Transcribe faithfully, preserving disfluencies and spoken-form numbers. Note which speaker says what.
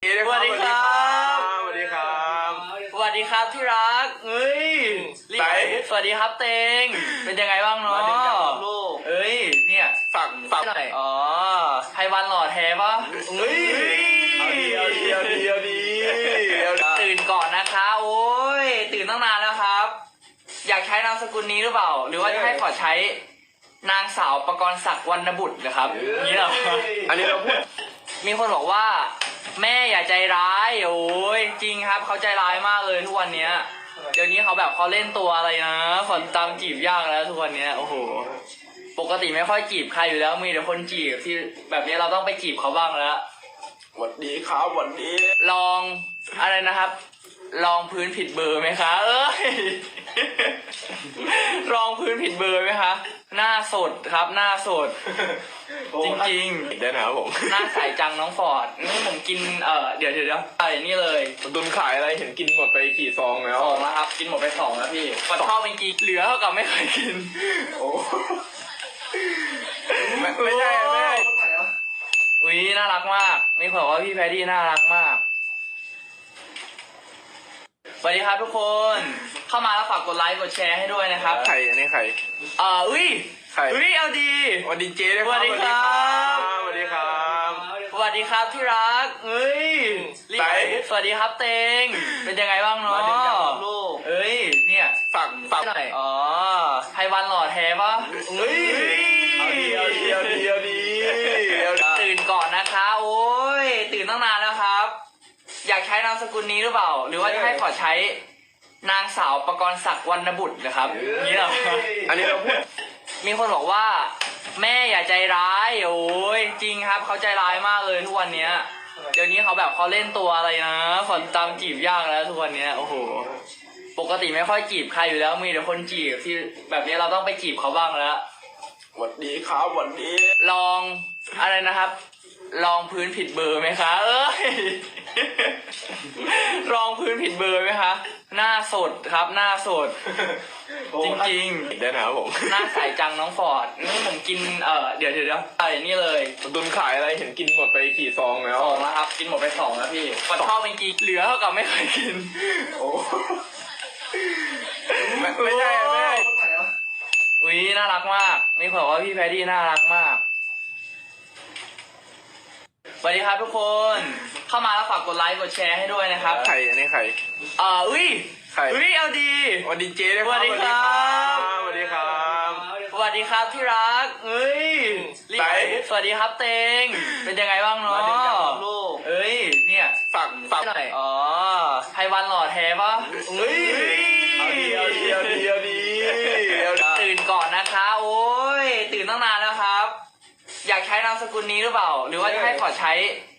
Speaker 1: สวัสดีครับ
Speaker 2: สวัสดีครับ
Speaker 1: สวัสดีครับที่รักเฮ้ย
Speaker 2: ไหน
Speaker 1: สวัสดีครับเตงเป็นยังไงบ้างเนาะ
Speaker 2: มาถึงกับลูก
Speaker 1: เอ้ยเนี่ย
Speaker 2: ฝั่งฝั่ง
Speaker 1: หน่อยอ๋อไพวันหล่อแท้ปะ
Speaker 2: เฮ้ยเอาดีเอาดีเอาดีเอาดีเอาดี
Speaker 1: ตื่นก่อนนะคะโอ้ยตื่นตั้งนานแล้วครับ อยากใช้นามสกุลนี้หรือเปล่า หรือว่าจะให้ขอใช้นางสาวประกรณ์ศักดิ์วรรณบุตรนะครับนี่เหรอ
Speaker 2: อันนี้เราพูด
Speaker 1: มีคนบอกว่า แม่อย่าใจร้ายโอ้ยจริงครับเขาใจร้ายมากเลยทุกวันเนี้ยเดี๋ยวนี้เขาแบบเขาเล่นตัวอะไรนะฝนตามจีบยากแล้วทุกวันเนี้ยโอ้โหปกติไม่ค่อยจีบใครอยู่แล้วมีแต่คนจีบที่แบบนี้เราต้องไปจีบเขาบ้างแล้ว
Speaker 2: หวัดดีครับหวัดดี
Speaker 1: ลองอะไรนะครับ ลองพื้นผิดเบอร์ไหมคะเอ้ยลองพื้นผิดเบอร์ไหมคะหน้าสดครับหน้าสด จริงๆ
Speaker 2: เดี๋ยวนะครับผม
Speaker 1: หน้าใสจังน้องฟอร์ดนี่ผมกินเออเดี๋ยวเดี๋ยวเดี๋ยวไอ้นี่เลย
Speaker 2: ตุนขายอะไรเห็นกินหมดไปกี่ซองแล้ว
Speaker 1: สองแล้วครับกินหมดไปสองแล้วพี่มันชอบจริงๆเหลือเท่ากับไม่เคยกิน
Speaker 2: โอ้ไม่ไม่ใช่ไม่ใช่
Speaker 1: อุ้ยน่ารักมากมีคนบอกว่าพี่แพดดี้น่ารักมากสวัสดีครับทุกคนเข้ามาแล้วฝากกดไลค์กดแชร์ให้ด้วยนะครับ
Speaker 2: ใครอันนี้ใคร
Speaker 1: เอ่ออุ้ย
Speaker 2: ใคร
Speaker 1: อุ้ยเอาดี
Speaker 2: หวัดดีเจ๊ด้วย
Speaker 1: สวัสดีครับ
Speaker 2: สวัสดีครับ
Speaker 1: สวัสดีครับที่รักเอ้ย
Speaker 2: ไหน
Speaker 1: สวัสดีครับเตงเป็นยังไงบ้างเนาะ
Speaker 2: มาถึงกับลูก
Speaker 1: เอ้ยเนี่ย
Speaker 2: ฝั่งฝั่ง
Speaker 1: หน่อยอ๋อไพวันหล่อแท้ปะ
Speaker 2: เฮ้ยเอาดีเอาดีเอาดีเอาดีเอาดี
Speaker 1: ตื่นก่อนนะคะโอ้ยตื่นตั้งนานแล้วครับ อยากใช้นามสกุลนี้หรือเปล่า หรือว่าจะให้ขอใช้นางสาวประกรณ์ศักดิ์วรรณบุตรนะครับนี่เหรอ
Speaker 2: อันนี้เราพูด
Speaker 1: มีคนบอกว่า แม่อย่าใจร้ายโอ้ยจริงครับเขาใจร้ายมากเลยทุกวันเนี้ยเดี๋ยวนี้เขาแบบเขาเล่นตัวอะไรนะฝนตามจีบยากแล้วทุกวันเนี้ยโอ้โหปกติไม่ค่อยจีบใครอยู่แล้วมีแต่คนจีบที่แบบนี้เราต้องไปจีบเขาบ้างแล้ว
Speaker 2: หวัดดีครับหวัดดี
Speaker 1: ลองอะไรนะครับ ลองพื้นผิดเบอร์ไหมคะเอ้ยลองพื้นผิดเบอร์ไหมคะหน้าสดครับหน้าสด จริงๆ
Speaker 2: เดี๋ยวนะครับผม
Speaker 1: หน้าใสจังน้องฟอร์ดนี่ผมกินเออเดี๋ยวเดี๋ยวเดี๋ยวไอ้นี่เลย
Speaker 2: ตุนขายอะไรเห็นกินหมดไปกี่ซองแล้ว
Speaker 1: สองแล้วครับกินหมดไปสองแล้วพี่มันชอบจริงๆเหลือเท่ากับไม่เคยกิน
Speaker 2: โอ้ไม่ไม่ใช่ไม่ใช่
Speaker 1: อุ้ยน่ารักมากมีคนบอกว่าพี่แพดดี้น่ารักมากสวัสดีครับทุกคนเข้ามาแล้วฝากกดไลค์กดแชร์ให้ด้วยนะครับ
Speaker 2: ใครอันนี้ใคร
Speaker 1: เอ่ออุ้ย
Speaker 2: ใคร
Speaker 1: อุ้ยเอาดี
Speaker 2: หวัดดีเจ๊ด้วย
Speaker 1: สวัสดีครับ
Speaker 2: สวัสดีครับ
Speaker 1: สวัสดีครับที่รักเอ้ย
Speaker 2: ไหน
Speaker 1: สวัสดีครับเตงเป็นยังไงบ้างเนาะ
Speaker 2: มาถึงกับลูก
Speaker 1: เอ้ยเนี่ย
Speaker 2: ฝั่งฝั่ง
Speaker 1: หน่อยอ๋อไพวันหล่อแท้ปะ
Speaker 2: เฮ้ยเอาดีเอาดีเอาดีเอาดีเอาดี
Speaker 1: ตื่นก่อนนะคะโอ้ยตื่นตั้งนานแล้วครับ อยากใช้นามสกุลนี้หรือเปล่า หรือว่าจะให้ขอใช้